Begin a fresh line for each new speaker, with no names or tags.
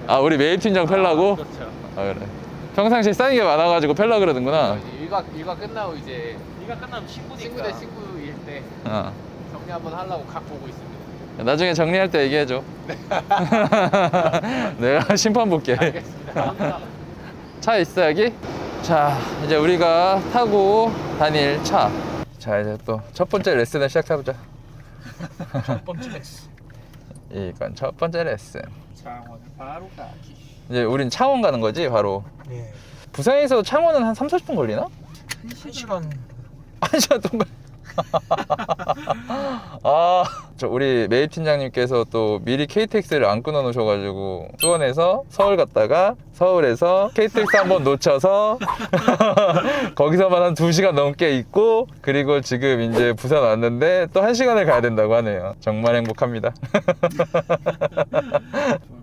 아, 우리 매입 팀장 펠라고?
그렇죠.
아, 그래. 평상시에 쌓인 게 많아가지고 펠라 그러는구나.
일과 끝나고 이제 일과 끝나면 친구 대 친구일 때
어.
정리 한번 하려고 각 보고 있습니다.
나중에 정리할 때 얘기해줘. 내가 심판 볼게.
알겠습니다.
차 있어 여기? 자, 이제 우리가 타고 다닐 차. 자, 이제 또 첫 번째 레슨을 시작해보자.
첫 번째 레슨.
이건 첫 번째 레슨.
창원을 바로 가기.
이제 우린 창원 가는 거지 바로.
예.
부산에서 창원은 한 3-40분 걸리나?
1시간.
1시간 동안. 아, 저 우리 매입 팀장님께서 또 미리 KTX를 안 끊어 놓으셔가지고 수원에서 서울 갔다가 서울에서 KTX 한번 놓쳐서 거기서만 한 2시간 넘게 있고, 그리고 지금 이제 부산 왔는데 또 1시간을 가야 된다고 하네요. 정말 행복합니다.